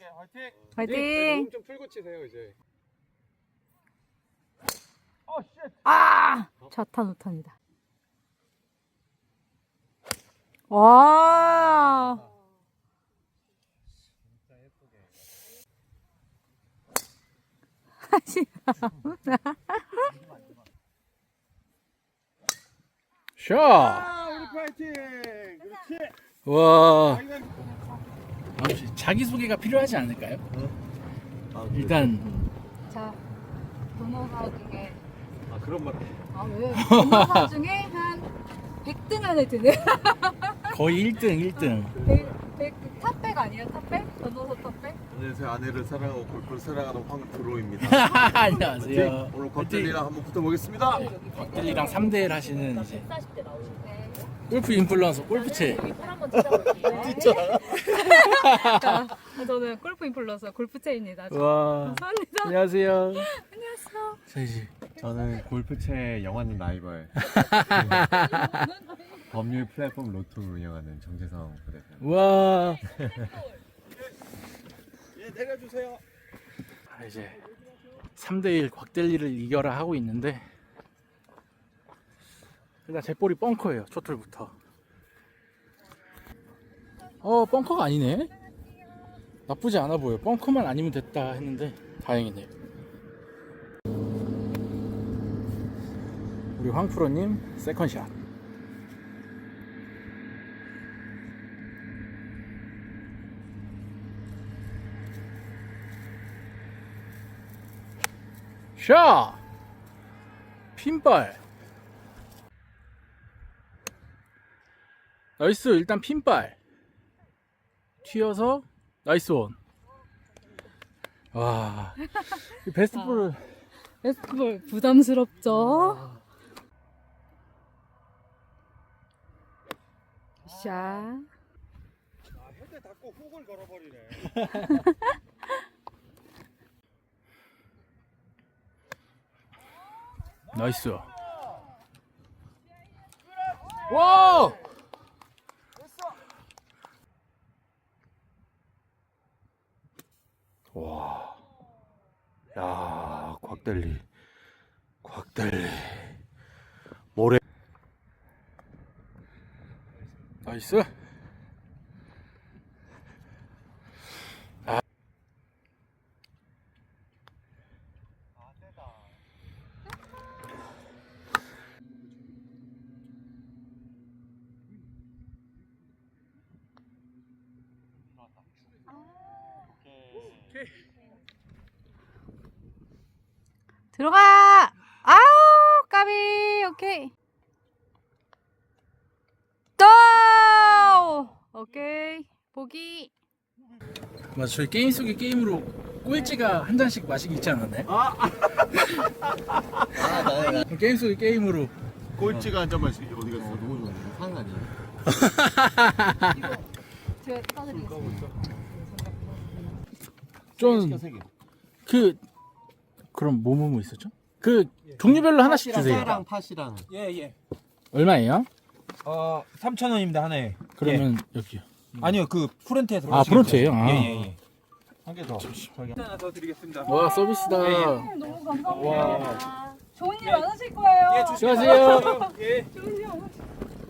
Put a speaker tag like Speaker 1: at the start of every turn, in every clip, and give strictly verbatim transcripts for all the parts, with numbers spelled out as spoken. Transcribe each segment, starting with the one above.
Speaker 1: 화이팅!
Speaker 2: 화이팅!
Speaker 1: 몸 좀 풀고 치세요 이제.
Speaker 3: 어, 쉣.
Speaker 2: 아! 좌탄 우탄이다. 와!
Speaker 1: 진짜 예쁘게.
Speaker 4: 샷!
Speaker 1: 아, 우리 화이팅! 그렇지.
Speaker 4: 와,
Speaker 1: 아, 이건
Speaker 4: 혹시 자기소개가 필요하지 않을까요?
Speaker 1: 아,
Speaker 4: 일단
Speaker 2: 자, 번호사 중에
Speaker 1: 아 그런 말.
Speaker 2: 아 왜? 번호사 중에 한 백 등 안에 드는
Speaker 4: 거의 일 등, 일 등.
Speaker 2: 백, 백, 탑백 아니에요? 탑백? 번호사 탑백?
Speaker 1: 안녕하세요. 아내를 사랑하고 골프를 사랑하는 황프로입니다.
Speaker 4: 안녕하세요.
Speaker 1: 오늘 곽들리랑 한번 붙어보겠습니다.
Speaker 4: 곽들리랑 삼 대 일 하시는 이제
Speaker 5: 백사십 대 나오시네.
Speaker 4: 골프 인플루언서 골프채.
Speaker 5: 꿀 한번 드셔볼게요.
Speaker 2: 자, 저는 골프 인플루언서 골프채입니다.
Speaker 4: 와,
Speaker 2: 감사합니다.
Speaker 4: 안녕하세요.
Speaker 2: 안녕하세요.
Speaker 4: 자, 이제
Speaker 1: 저는 골프채 영화님 라이벌 법률 플랫폼 로또를 운영하는 정재성 부대표입니다.
Speaker 4: 와,
Speaker 1: 예, 내려주세요.
Speaker 4: 아, 이제 삼 대 일 곽들리를 이겨라 하고 있는데 일단 제 볼이 벙커예요. 초틀부터. 어, 벙커가 아니네. 나쁘지 않아 보여. 벙커만 아니면 됐다 했는데 다행이네요. 우리 황프로님 세컨샷. 샷! 핀발. 나이스. 일단 핀발 튀어서 나이스 원. 와, 이 베스트 볼을
Speaker 2: 베스트볼 부담스럽죠? 샷.
Speaker 1: 아, 현대 닫고 훅을 걸어버리네.
Speaker 4: 나이스. 와! 와. 야, 곽달리. 곽달리. 모래. 나이스. 아.
Speaker 2: 들어가! 아우, 까비! 오케이. 또! 오케이. 보기.
Speaker 4: 맞아, 저희 게임 속의 게임으로 꼴찌가 한 잔씩 마시기 있지 않았나요?
Speaker 1: 아,
Speaker 4: 게임 속의 게임으로.
Speaker 1: 꼴찌가 한 잔만 어디 갔어? 누구 줬는데? 상 아니에요?
Speaker 2: 제가 따드리겠습니다.
Speaker 4: 좀, 그, 그럼 뭐뭐뭐 있었죠? 그, 종류별로 하나씩 주세요.
Speaker 1: 랑 팥이랑.
Speaker 3: 예, 예.
Speaker 4: 얼마예요?
Speaker 3: 어, 삼천 원입니다, 하나에.
Speaker 4: 그러면 여기요.
Speaker 3: 예. 아니요, 그 프론트에
Speaker 4: 아,
Speaker 3: 들어가시면
Speaker 4: 프론트예요? 아.
Speaker 3: 예, 예, 예. 한 개 더. 저기 하나 더 드리겠습니다.
Speaker 4: 와, 서비스다.
Speaker 2: 너무 감사합니다. 좋은 일 많으실 거예요.
Speaker 3: 예,
Speaker 4: 수고하세요.
Speaker 3: 예.
Speaker 2: 좋은 일 많으실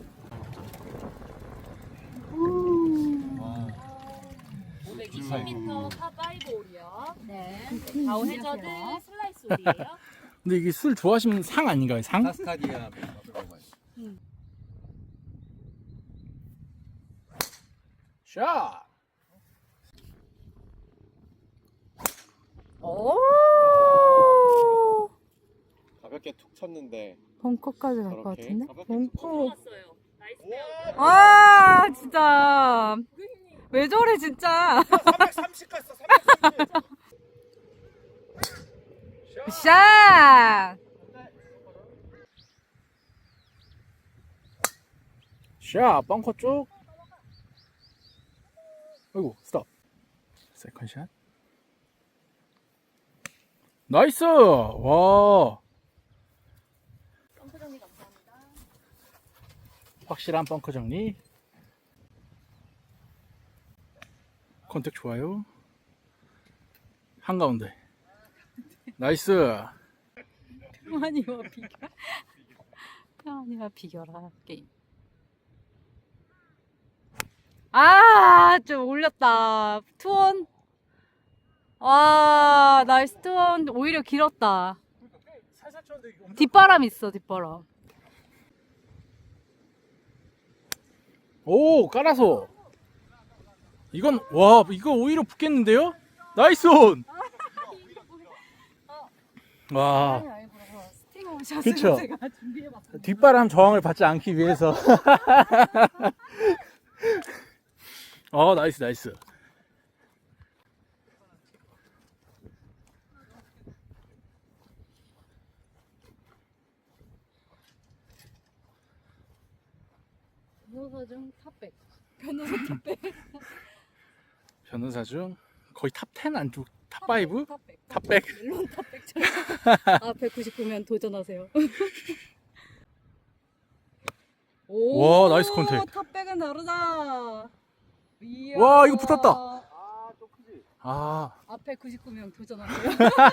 Speaker 5: 오백이십 미터 파5 홀이요.
Speaker 2: 네.
Speaker 5: 다운 해저드 슬라이스 홀이에요.
Speaker 4: 근데 이게 술 좋아하시면 상 아닌가요? 상?
Speaker 1: 카스카디아.
Speaker 4: 샷!
Speaker 2: 오!
Speaker 1: 가볍게 툭 쳤는데.
Speaker 2: 벙커까지 갈 것
Speaker 1: 저렇게
Speaker 2: 같은데?
Speaker 1: 가볍게
Speaker 2: 벙커.
Speaker 5: 좋았어요. 나이스 페어.
Speaker 2: 아, 진짜. 왜 저래, 진짜.
Speaker 3: 삼백삼십 갔어, 삼백삼십.
Speaker 2: 샷!
Speaker 4: 샷! 벙커 쪽. 아이고, 스톱. 세컨샷. 나이스! 와.
Speaker 5: 벙커 정리 감사합니다.
Speaker 4: 확실한 벙커 정리. 컨택 좋아요. 한가운데. 나이스.
Speaker 2: 평안이와 비결. 평안이와 비결한 게임. 아, 좀 올렸다. 투원. 와, 나이스 투원. 오히려 길었다.
Speaker 4: 살살 쳤는데 이거
Speaker 2: 뒷바람 있어, 뒷바람.
Speaker 4: 오, 깔아서. 이건 와, 이거 오히려 붙겠는데요? 나이스 온. 와,
Speaker 2: 아니, 아니고 스팅어 샷을
Speaker 4: 그쵸.
Speaker 2: 제가 준비해봤어요.
Speaker 4: 뒷바람 저항을 받지 않기 위해서. 어, 나이스 나이스.
Speaker 2: 변호사 중 탑백. 변호사 탑백.
Speaker 4: 변호사 중 거의 탑 텐 안쪽 탑 파이브?
Speaker 2: 탑백.
Speaker 4: 탑백.
Speaker 2: 멜론 탑백처럼. 아, 백구십구면 도전하세요. 오,
Speaker 4: 와, 나이스 컨택.
Speaker 2: 탑백은 다르다. 이야.
Speaker 4: 와, 이거 붙었다.
Speaker 1: 아, 좀 크지?
Speaker 4: 아,
Speaker 2: 앞에 구십구 명 도전하세요.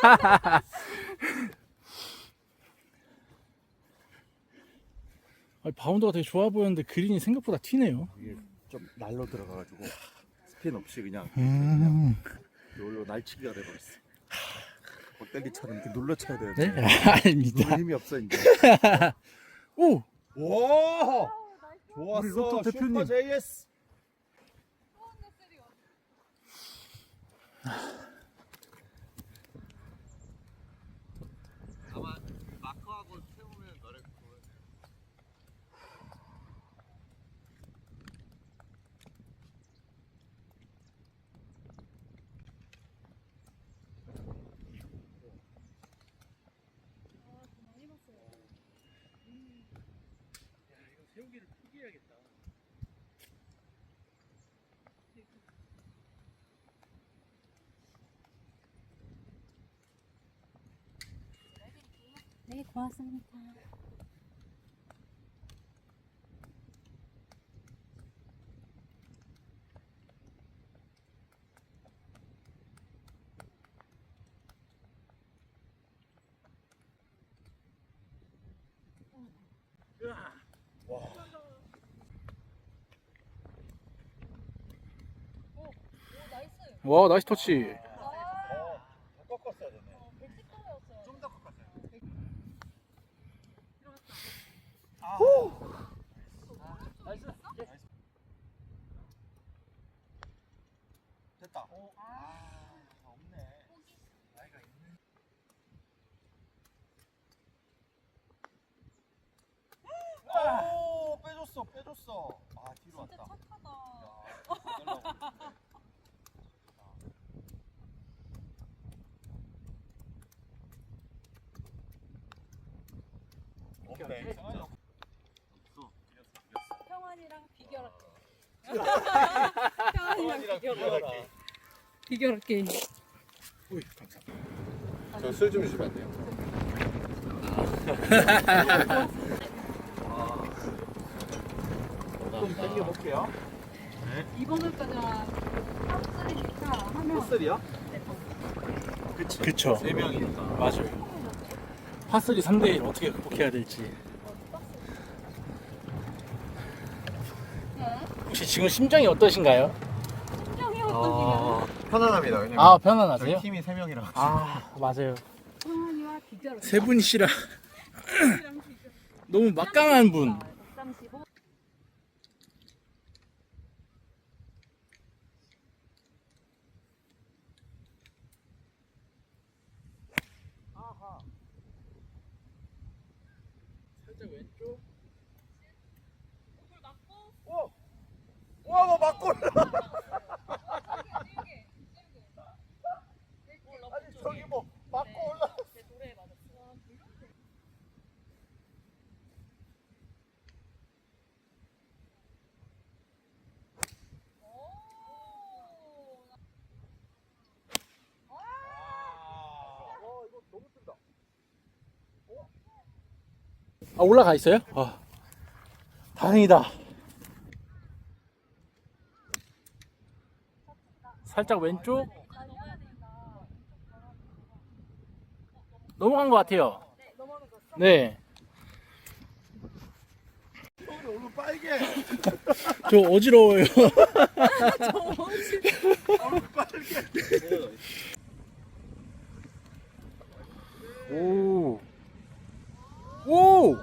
Speaker 4: 아니, 바운더가 되게 좋아 보였는데 그린이 생각보다 튀네요.
Speaker 1: 이게 좀 날로 들어가가지고 스핀 없이 그냥
Speaker 4: 음.
Speaker 1: 놀로 날치기가 돼버렸어. 롯데기처럼 이렇게 눌러 쳐야 돼.
Speaker 4: 네? 아닙니다.
Speaker 1: 누를 힘이 없어 이제.
Speaker 4: 오,
Speaker 1: 와,
Speaker 3: 우리
Speaker 1: 좋았어.
Speaker 3: 로또 대표님.
Speaker 1: 슈퍼 제이에스. 아마 마크하고 세우면 너를
Speaker 4: 세우기를 포기해야겠다.
Speaker 2: 네, 고맙습니다.
Speaker 4: 와, 나이스 터치.
Speaker 1: 더 꺾었어야 되네. 좀 더 꺾었어요. 아. 나이스. 됐다. 아, 없네. 나이가 있네. 오, 빼줬어, 빼줬어. 아, 뒤로 왔다.
Speaker 2: 진짜 착하다.
Speaker 1: 야, 없네. 없어.
Speaker 2: 평안이랑 비결할게. 평안이랑 비결할게. 비결할게.
Speaker 4: 오이, 감사합니다.
Speaker 1: 저술 좀 주시면 안 돼요? 좀 당겨볼게요.
Speaker 2: 이번 홀까지만 탑쓰리니까 하면
Speaker 1: 헛슬이요?
Speaker 4: 그쵸. 그쵸.
Speaker 1: 세 명이니까.
Speaker 4: 맞아요. 파쓰리 삼 대 일 어떻게 극복해야 될지. 혹시 지금 심정이 어떠신가요?
Speaker 2: 심정이 어떠신가요?
Speaker 1: 편안합니다. 왜냐면
Speaker 4: 아, 편안하세요?
Speaker 1: 팀이 세 명이라.
Speaker 4: 아, 맞아요.
Speaker 2: 평안이와 비결할게.
Speaker 4: 세 분이시라 너무 막강한 분.
Speaker 2: 백삼십오.
Speaker 4: 살짝 왼쪽.
Speaker 1: 와, 뭐 맞고 올라. 아니 저기 뭐 맞고 올라.
Speaker 4: 아, 올라가 있어요? 아, 다행이다. 살짝 왼쪽. 넘어간 것 같아요. 네.
Speaker 1: 오늘 빨개.
Speaker 4: 저 어지러워요. 오. 오.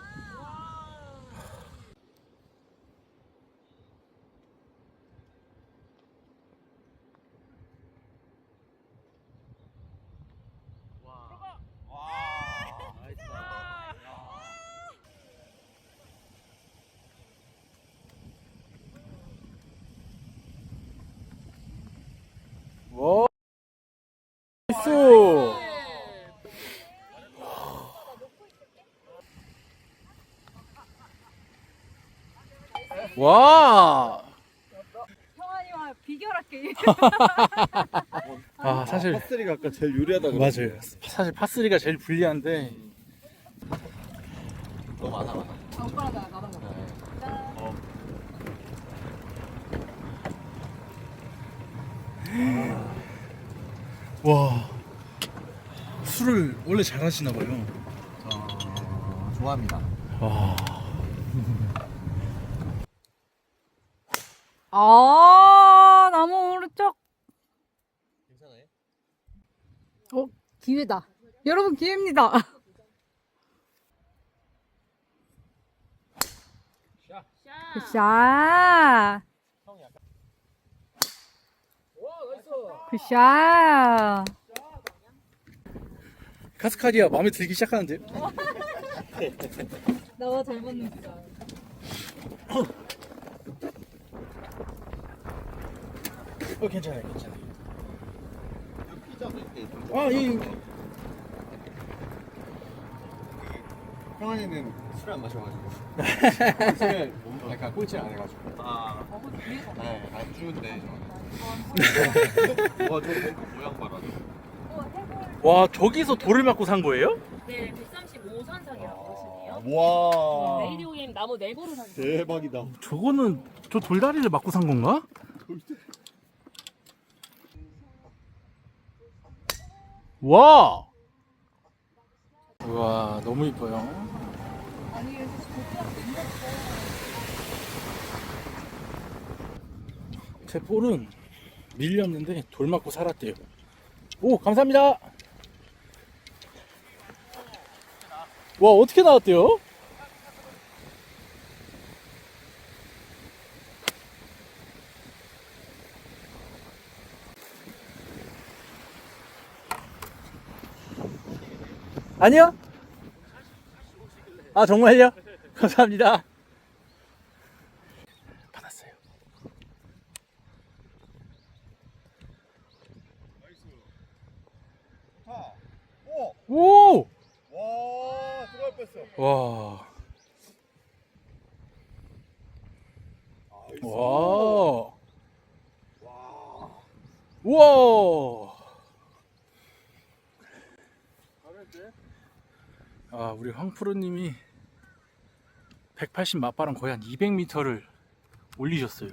Speaker 4: 와. 나이스. 와.
Speaker 2: 형아님과 비결할게.
Speaker 4: 아, 사실
Speaker 1: 파스리가 아까 제일 유리하다 그랬
Speaker 4: 맞아요. 사실 파쓰리가 제일 불리한데.
Speaker 1: 너무 많아 많아.
Speaker 2: 아, 오빠랑 나 나랑 먹자.
Speaker 1: 어.
Speaker 4: 와. 술을 원래 잘하시나 봐요.
Speaker 1: 저 좋아합니다.
Speaker 4: 와.
Speaker 2: 아, 나무 오른쪽.
Speaker 1: 괜찮아요?
Speaker 2: 어, 기회다. 여러분, 기회입니다.
Speaker 5: 샷.
Speaker 2: 굿샷. 굿샷.
Speaker 4: 카스카디아 마음에 들기 시작하는데요?
Speaker 2: 나와 잘 맞는 줄 알아.
Speaker 4: 어, 괜찮아요, 괜찮아요.
Speaker 1: 피자 먹을 때
Speaker 4: 아, 이
Speaker 6: 형아이는 술을 안 마셔가지고 술을 못- 약간 꼴찌를 안 해가지고
Speaker 1: 아,
Speaker 6: 네, 안 주는데 저는
Speaker 1: 와, 저 벙커 모양 봐라.
Speaker 4: 와, 저기서 돌을 맞고 산 거예요?
Speaker 5: 네, 백삼십오 선상이라고 보시네요.
Speaker 1: 와,
Speaker 5: 레이디오엠 나무 내부로 산
Speaker 1: 대박이다.
Speaker 4: 저거는 저 돌다리를 맞고 산 건가? 와. 와, 너무 이뻐요. 제 볼은 밀렸는데 돌 맞고 살았대요. 오, 감사합니다. 와, 어떻게 나왔대요? 아니요? 아, 정말요? 감사합니다. 받았어요. 오!
Speaker 1: 와, 들어갈 뻔했어.
Speaker 4: 와. 와. 우와. 아, 우리 황프로님이 백팔십 맞바람 거의 한 이백 미터를 올리셨어요.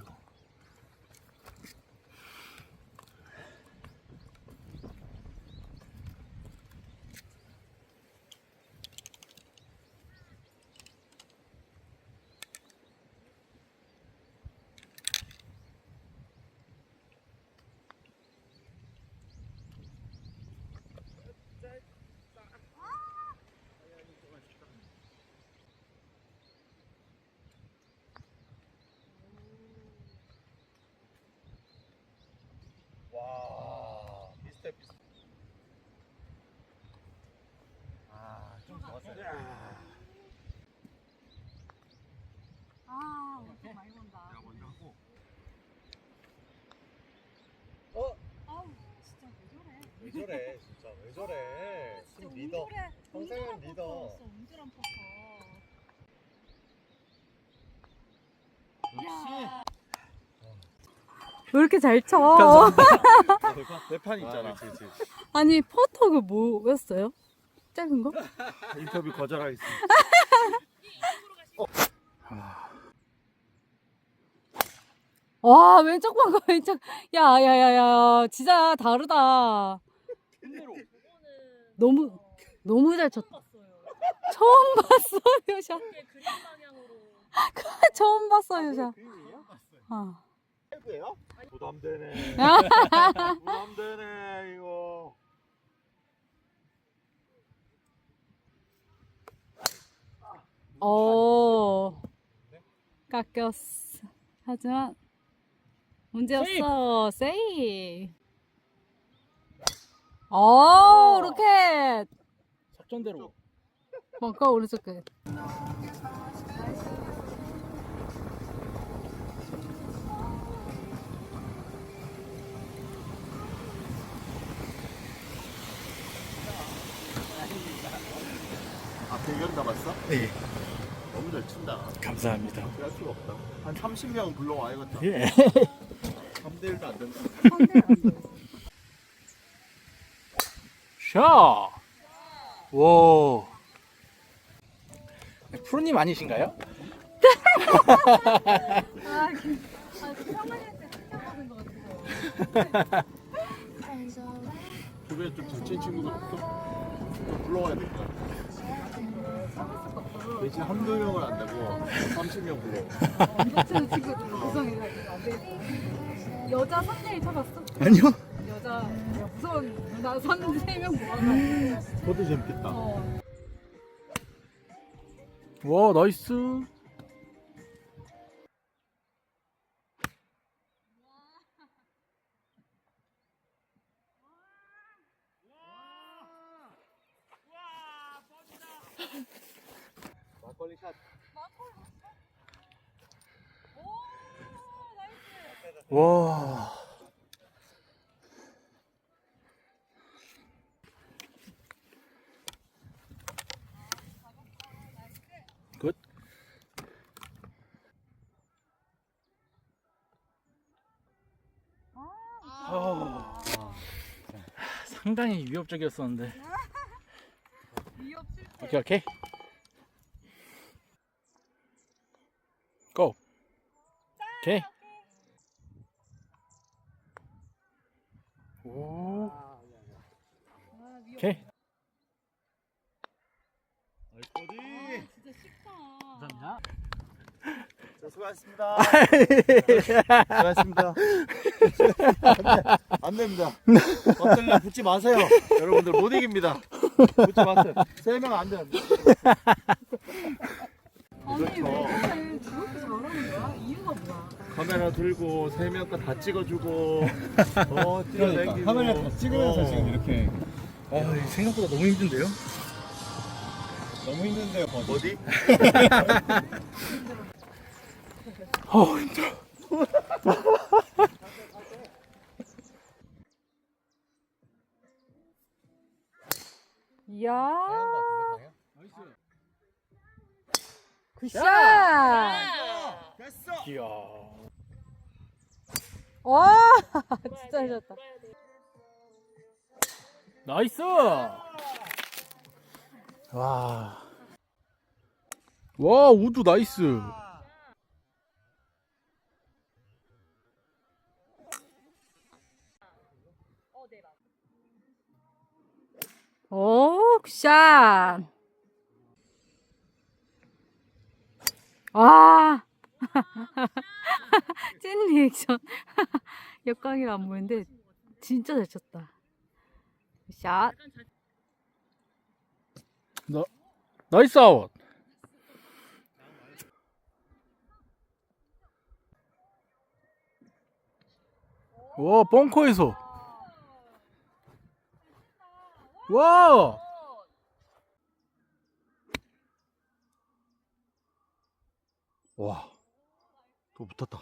Speaker 1: 와, 비슷해 비슷해. 아, 좀 좋았어요.
Speaker 2: 아, 엄청 많이 본다.
Speaker 1: 내가 먼저 하고.
Speaker 2: 아우, 진짜 왜 저래?
Speaker 6: 왜 저래 진짜 왜 저래 팀 리더 평생은 리더
Speaker 2: 운드란 포커. 왜 이렇게 잘 쳐?
Speaker 1: 대판 있잖아.
Speaker 2: 아니, 퍼터 그 뭐였어요? 짧은 거?
Speaker 1: 인터뷰 거절하겠습니다.
Speaker 2: 와, 왼쪽 방금 왼쪽. 야, 야, 야, 야, 진짜 다르다. 너무 너무 잘 쳤다. 처음 봤어요, 샷.
Speaker 5: 이게 그린 방향으로.
Speaker 2: 처음 봤어요, 샷. 어.
Speaker 6: 해도요? 부담되네.
Speaker 2: 아.
Speaker 6: 부담되네 이거.
Speaker 2: 오. 깎였어. 하지만 문제 없어. 세이. 오, 로켓.
Speaker 4: 작전대로.
Speaker 2: 뭔가 오른쪽 끝.
Speaker 1: 아 대결 남았어?
Speaker 4: 네.
Speaker 1: 너무 잘 친다.
Speaker 4: 감사합니다.
Speaker 1: 할 수가 없다. 한 삼십 명 불러와야겠다.
Speaker 4: 예.
Speaker 1: 삼 대 일도 안 된다.
Speaker 4: 샷. 와. 프로님 아니신가요?
Speaker 2: 아, 그, 아, 평안할 때 챙겨먹은 것 같아요.
Speaker 1: 주변에 좀 잘 친 친구가 없어? 좀 불러와야 될 것 같아. 대신 한두 명은 안 되고 삼십 명 불러.
Speaker 2: 안 치는 친구들 구성해가지고 안 되겠다. 여자 삼 대일 쳐봤어?
Speaker 4: 아니요.
Speaker 2: 여자 무서운 누나 선 세 명 모아가지고.
Speaker 1: 그것도 재밌겠다.
Speaker 2: 어.
Speaker 4: 와, 나이스.
Speaker 6: 막걸리 샷.
Speaker 4: 와. 굿. 아. 상당히 위협적이었었는데.
Speaker 2: 위협 실패.
Speaker 4: 오케이, 오케이. 고. 오케이. 오. 오케이.
Speaker 6: 어디?
Speaker 2: 진짜 쉽다.
Speaker 4: 감사합니다.
Speaker 6: 자, 수고하셨습니다. 수고하셨습니다. 안 됩니다. 엎드려 붙지 마세요. 여러분들 못 이깁니다. 붙지 마세요. 세 명 안 돼요.
Speaker 2: 아니 왜
Speaker 6: 그렇죠.
Speaker 2: 그래? 저렇게 잘하는 거야? 이유가 뭐야?
Speaker 6: 카메라 들고 세 명 거 다 찍어주고 어 뛰어다니고
Speaker 3: 카메라 다 찍으면서
Speaker 6: 어.
Speaker 3: 지금 이렇게
Speaker 4: 아, 생각보다 너무 힘든데요?
Speaker 3: 너무 힘든데요.
Speaker 6: 어디?
Speaker 4: 어, 힘들어.
Speaker 2: 이야. 굿샷.
Speaker 6: 됐어.
Speaker 4: 이야.
Speaker 2: 와, 진짜 잘 쳤다.
Speaker 4: 나이스! 와. 와, 우드 나이스.
Speaker 2: 오, 굿샷. 와. 찐 리액션. 역광이라 안 보이는데 진짜 잘 쳤다. 샷.
Speaker 4: 나, 나이스 아웃. 와, 벙커에서. 와!
Speaker 1: 와, 또 붙었다.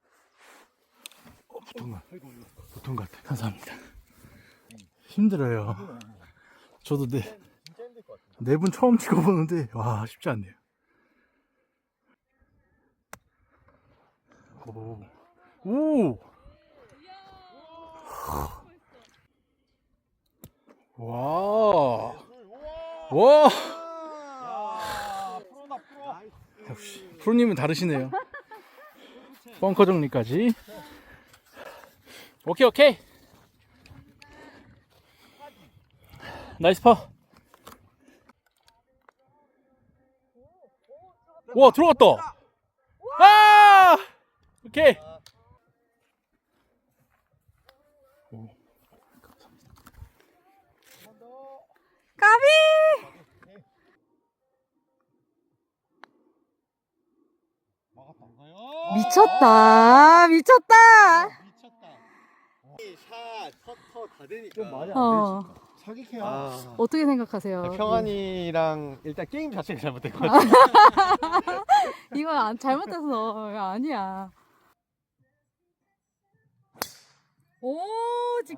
Speaker 1: 어, 붙은 거, 붙은 것 같아.
Speaker 4: 감사합니다. 힘들어요. 저도 네, 네 분 처음 찍어보는데, 와, 쉽지 않네요. 오, 오! 와, 와! 역시, 프로님은 다르시네요. 벙커 정리까지. 오케이, 오케이. 나이스 파. 와, 들어갔다. 아! 오케이. 오.
Speaker 2: 까비! 미쳤다. 미쳤다.
Speaker 6: 샷, 퍼터 다 되니까.
Speaker 1: 좀 많이
Speaker 2: 어.
Speaker 1: 사기캐야.
Speaker 6: 아,
Speaker 2: 어떻게 생각하세요?
Speaker 6: 평안이랑 일단 게임 자체가 잘못된 것 같아.
Speaker 2: 이건 안, 잘못해서 이거 아니야. 오, 지...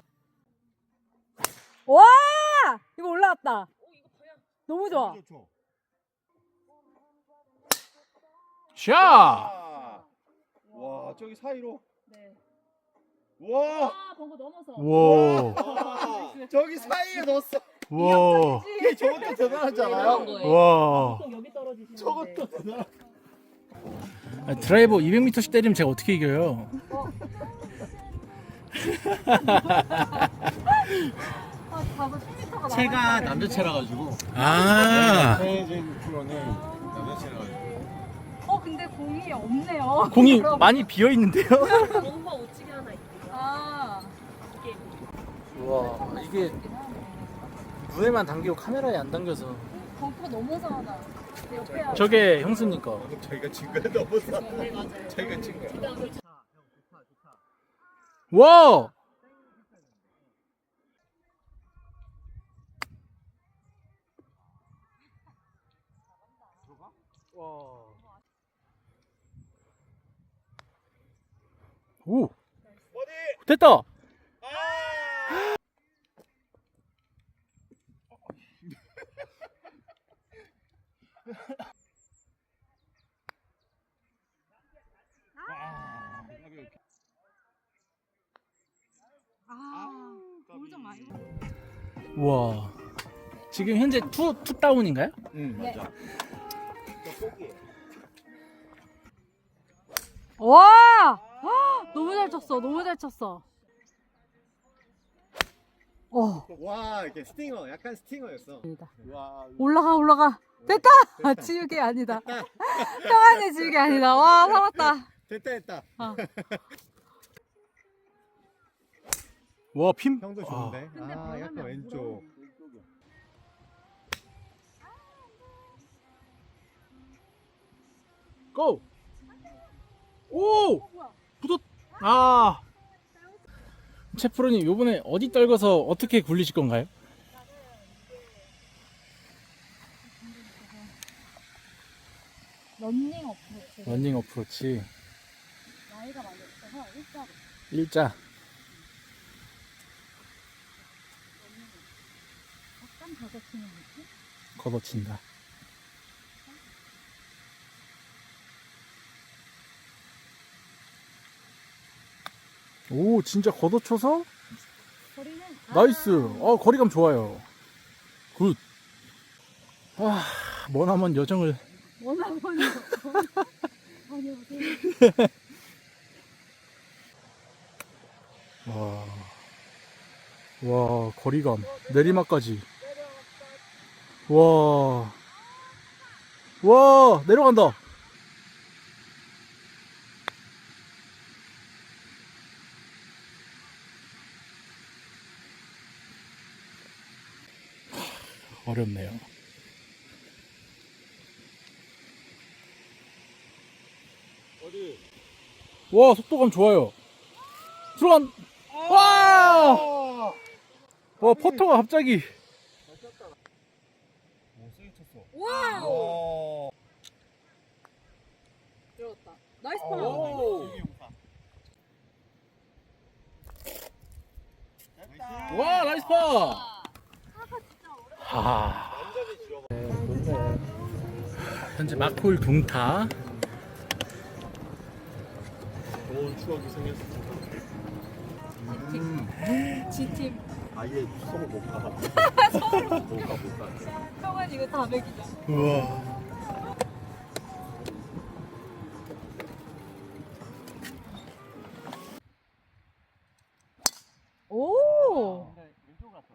Speaker 2: 와! 이거 올라왔다. 너무 좋아.
Speaker 4: 샷!
Speaker 1: 와 저기 사이로.
Speaker 5: 네.
Speaker 1: 와
Speaker 5: 아, 번거 넘어서.
Speaker 4: 와.
Speaker 1: 저기 사이에 넣었어.
Speaker 4: 와.
Speaker 1: 이게 저것도 대단하지 않아요?
Speaker 4: 와.
Speaker 5: 보통 여기 떨어지시는데.
Speaker 1: 저것도 대단.
Speaker 4: 아, 드라이버 이백 미터씩 때리면 제가 어떻게 이겨요?
Speaker 2: 아, 가서 십 미터가
Speaker 6: 채가 남자체라 가지고.
Speaker 4: 아.
Speaker 1: 최진 프로는 남자친구라 가지고.
Speaker 2: 어, 근데 공이 없네요.
Speaker 4: 공이 많이 비어 있는데요?
Speaker 5: 번거 우측에 하나 있고요.
Speaker 2: 아,
Speaker 5: 이게
Speaker 4: 와, 이게 눈에만 당기고 카메라에 안 당겨서.
Speaker 2: 벙커 넘어서 하나. 옆에 하나.
Speaker 4: 저게 형수니까.
Speaker 1: 저희가 진 거야 넘어서.
Speaker 5: 네, 맞아요.
Speaker 1: 저희가 진 거야.
Speaker 5: 그다음에
Speaker 4: 와! 오! 됐다!
Speaker 2: 아, 돌좀 많이.
Speaker 4: 우와. 지금 현재 투, 투 다운인가요?
Speaker 1: 응 맞아.
Speaker 2: 와! 헉, 너무 잘 쳤어. 너무 잘 쳤어. 어,
Speaker 6: 와, 이렇게 스팅어, 약간 스팅어였어.
Speaker 1: 와
Speaker 2: 올라가 올라가. 됐다. 아, 지우개 아니다. 평안의 지우개 아니다. 와, 살았다.
Speaker 6: 됐다, 됐다.
Speaker 2: 어.
Speaker 4: 와, 핀.
Speaker 6: 형도
Speaker 4: 아,
Speaker 6: 좋은데.
Speaker 2: 근데
Speaker 6: 아,
Speaker 2: 바람이
Speaker 6: 약간
Speaker 2: 안
Speaker 6: 왼쪽.
Speaker 4: 고! 오! 붙었. 아. 채프로님, 요번에 어디 떨궈서 어떻게 굴리실 건가요?
Speaker 2: 런닝 어프로치.
Speaker 4: 런닝 어프로치
Speaker 2: 나이가 많이 없어서 일자로.
Speaker 4: 일자.
Speaker 2: 약간 다섯치는 느낌?
Speaker 4: 걷어친다. 오, 진짜 걷어쳐서
Speaker 2: 거리는
Speaker 4: 나이스. 어, 거리감 좋아요. 굿. 아, 머나먼 여정을.
Speaker 2: 원하거든요. 다녀오세요.
Speaker 4: 와. 와, 거리감. 내리막까지. 와. 와, 내려간다. 어렵네요.
Speaker 6: 어디?
Speaker 4: 와, 속도감 좋아요. 들어간. 와! 와, 퍼터가 갑자기.
Speaker 6: 오, 세게 쳤어.
Speaker 2: 와우! 들어갔다. 나이스 파.
Speaker 4: 와, 나이스 파. 하. 현재 마콜 둥타.
Speaker 6: 좋은 추억이 생겼어.
Speaker 2: G팀.
Speaker 1: 아예 서로 못 가. 못 가, 못 가.
Speaker 2: 형은 이거 다 맥이죠.
Speaker 4: 우와.
Speaker 2: 오!
Speaker 6: 왼쪽 갔어.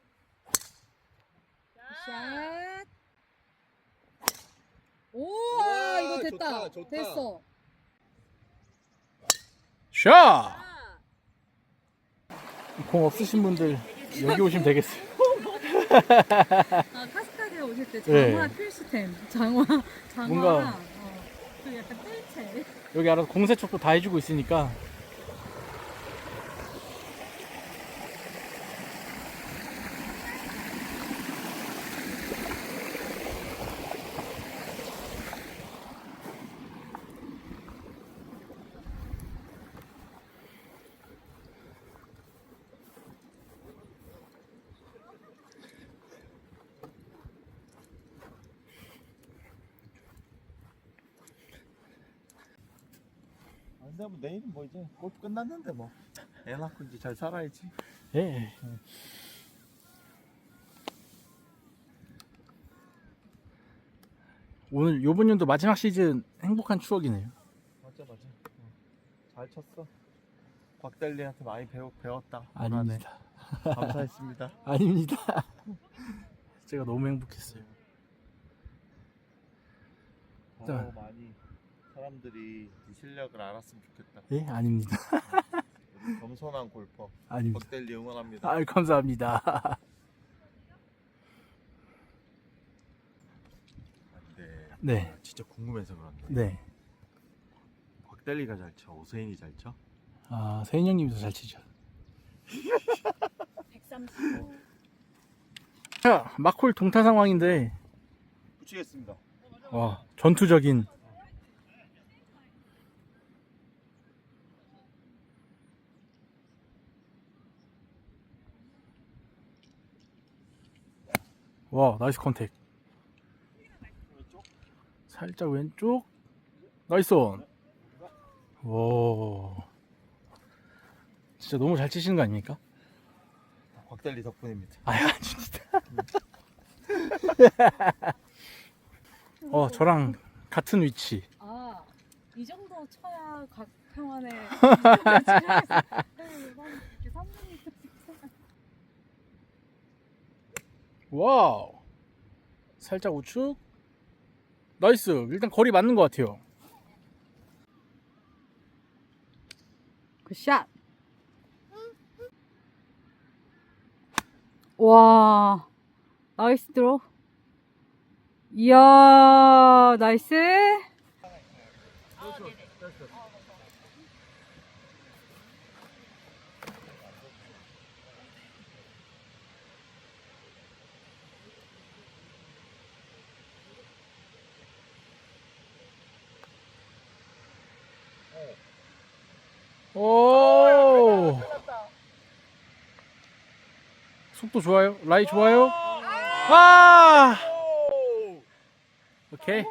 Speaker 2: 샷. 오! 됐다.
Speaker 6: 좋다.
Speaker 2: 됐어.
Speaker 4: 샷! 공 없으신 분들 여기 오시면 되겠어요.
Speaker 2: 아, 카스카드에 오실 때 장화
Speaker 4: 네.
Speaker 2: 필수템. 장화, 장화랑
Speaker 4: 뭔가-
Speaker 2: 어, 그 약간 뜰채.
Speaker 4: 여기 알아서 공세척도 다 해주고 있으니까.
Speaker 6: 아, 근데 뭐 내일은 뭐 이제 골프 끝났는데 뭐. 애 낳고 이제 잘 살아야지.
Speaker 4: 예. 오늘 요번 연도 마지막 시즌 행복한 추억이네요.
Speaker 6: 맞아 맞아. 어. 잘 쳤어. 곽달리한테 많이 배워 배웠다.
Speaker 4: 아닙니다.
Speaker 6: 올한해. 감사했습니다.
Speaker 4: 아닙니다. 제가 너무 행복했어요.
Speaker 6: 더
Speaker 4: 자.
Speaker 6: 많이 사람들이 네 실력을 알았으면 좋겠다.
Speaker 4: 예, 아닙니다.
Speaker 6: 우리 겸손한 골퍼
Speaker 4: 아닙니다.
Speaker 6: 곽달리 응원합니다.
Speaker 4: 아, 감사합니다.
Speaker 6: 네.
Speaker 4: 네,
Speaker 6: 진짜 궁금해서 그런데
Speaker 4: 네.
Speaker 6: 곽달리가 잘 쳐, 오세인이 잘 쳐?
Speaker 4: 아, 세인 형님도 잘 치죠.
Speaker 5: 백삼십오.
Speaker 4: 자, 마콜 동타 상황인데,
Speaker 6: 붙이겠습니다.
Speaker 4: 와, 전투적인. 와, 나이스 컨택. 살짝 왼쪽. 나이스 온. 와. 진짜 너무 잘 치시는 거 아닙니까?
Speaker 6: 곽달리 덕분입니다.
Speaker 4: 아, 진짜. 어, 저랑 같은 위치.
Speaker 2: 아, 이 정도 쳐야 각 평안에
Speaker 4: 와우. 살짝 우측. 나이스. 일단 거리 맞는 것 같아요.
Speaker 2: 굿샷. 와, 나이스 드로. 이야, 나이스.
Speaker 4: 오. 속도 좋아요. 라이 좋아요. 아. 오케이.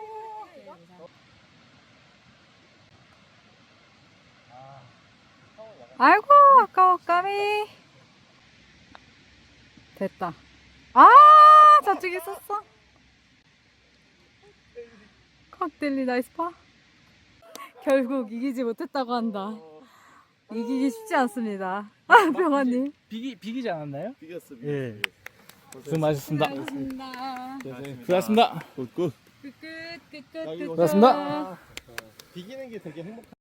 Speaker 2: 아이고, 아까워, 까미. 됐다. 아, 저쪽에 있었어. 칵텔리 나이스 파. 결국 이기지 못했다고 한다. 이기기 쉽지 않습니다. 아, 병아님.
Speaker 4: 비기 비기지 않았나요?
Speaker 6: 비겼습니다.
Speaker 4: 예. 수고 많으셨습니다.
Speaker 2: 수고하셨습니다.
Speaker 4: 수고하셨습니다.
Speaker 6: 굿굿.
Speaker 2: 끝, 끝, 끝, 끝,
Speaker 6: 여기
Speaker 2: 끝.
Speaker 4: 고맙습니다.
Speaker 6: 비기는 게 되게 행복.